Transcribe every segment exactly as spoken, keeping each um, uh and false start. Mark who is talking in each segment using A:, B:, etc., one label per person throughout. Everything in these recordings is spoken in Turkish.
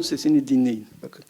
A: Bunun sesini dinleyin. Bakın.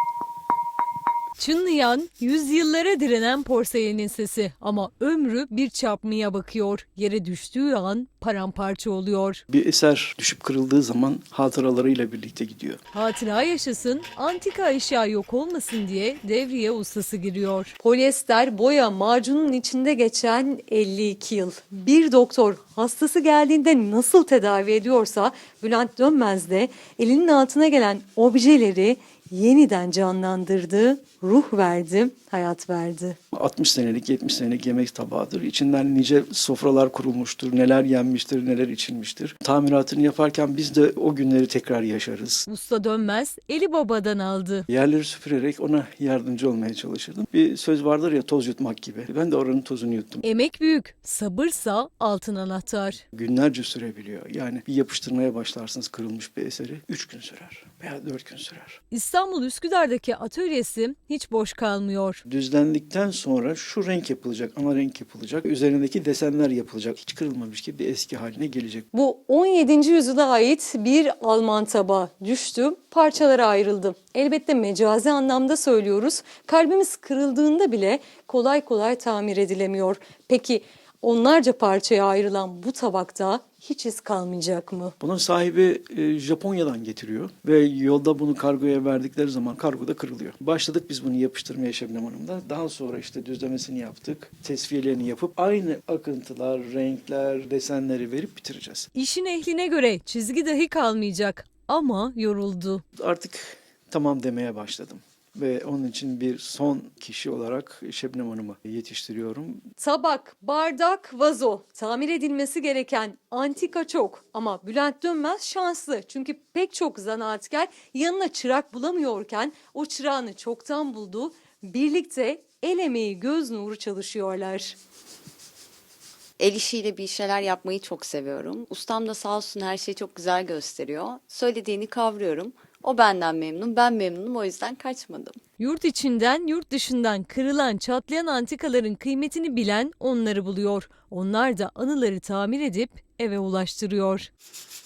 B: Çınlayan, yüzyıllara direnen porselenin sesi ama ömrü bir çarpmaya bakıyor. Yere düştüğü an paramparça oluyor.
A: Bir eser düşüp kırıldığı zaman hatıralarıyla birlikte gidiyor.
B: Hatıra yaşasın, antika eşya yok olmasın diye devreye ustası giriyor. Polyester boya macunun içinde geçen elli iki yıl. Bir doktor hastası geldiğinde nasıl tedavi ediyorsa Bülent Dönmez de elinin altına gelen objeleri yeniden canlandırdı, ruh verdi, hayat verdi.
A: altmış senelik, yetmiş senelik yemek tabağıdır. İçinden nice sofralar kurulmuştur, neler yenmiştir, neler içilmiştir. Tamiratını yaparken biz de o günleri tekrar yaşarız.
B: Usta Dönmez eli babadan aldı.
A: Yerleri süpürerek ona yardımcı olmaya çalışırdım. Bir söz vardır ya, toz yutmak gibi. Ben de oranın tozunu yuttum.
B: Emek büyük, sabırsa altın anahtar.
A: Günlerce sürebiliyor. Yani bir yapıştırmaya başlarsınız kırılmış bir eseri. Üç gün sürer veya dört gün sürer.
B: İstanbul Üsküdar'daki atölyesi hiç boş kalmıyor.
A: Düzlendikten sonra şu renk yapılacak, ana renk yapılacak. Üzerindeki desenler yapılacak. Hiç kırılmamış gibi bir eski haline gelecek.
B: Bu on yedinci yüzyıla ait bir Alman tabağı düştü, parçalara ayrıldı. Elbette mecazi anlamda söylüyoruz. Kalbimiz kırıldığında bile kolay kolay tamir edilemiyor. Peki onlarca parçaya ayrılan bu tabakta hiç iz kalmayacak mı?
A: Bunun sahibi e, Japonya'dan getiriyor ve yolda bunu kargoya verdikleri zaman kargoda kırılıyor. Başladık biz bunu yapıştırmaya Şebnem Hanım'da. Daha sonra işte düzlemesini yaptık, tesviyelerini yapıp aynı akıntılar, renkler, desenleri verip bitireceğiz.
B: İşin ehline göre çizgi dahi kalmayacak ama yoruldu.
A: Artık tamam demeye başladım. Ve onun için bir son kişi olarak Şebnem Hanım'ı yetiştiriyorum.
B: Tabak, bardak, vazo tamir edilmesi gereken antika çok ama Bülent Dönmez şanslı. Çünkü pek çok zanaatkar yanına çırak bulamıyorken o çırağını çoktan buldu. Birlikte el emeği göz nuru çalışıyorlar.
C: El işiyle bir şeyler yapmayı çok seviyorum. Ustam da sağ olsun her şeyi çok güzel gösteriyor. Söylediğini kavruyorum. O benden memnun, ben memnunum, o yüzden kaçmadım.
B: Yurt içinden, yurt dışından kırılan, çatlayan antikaların kıymetini bilen onları buluyor. Onlar da anıları tamir edip eve ulaştırıyor.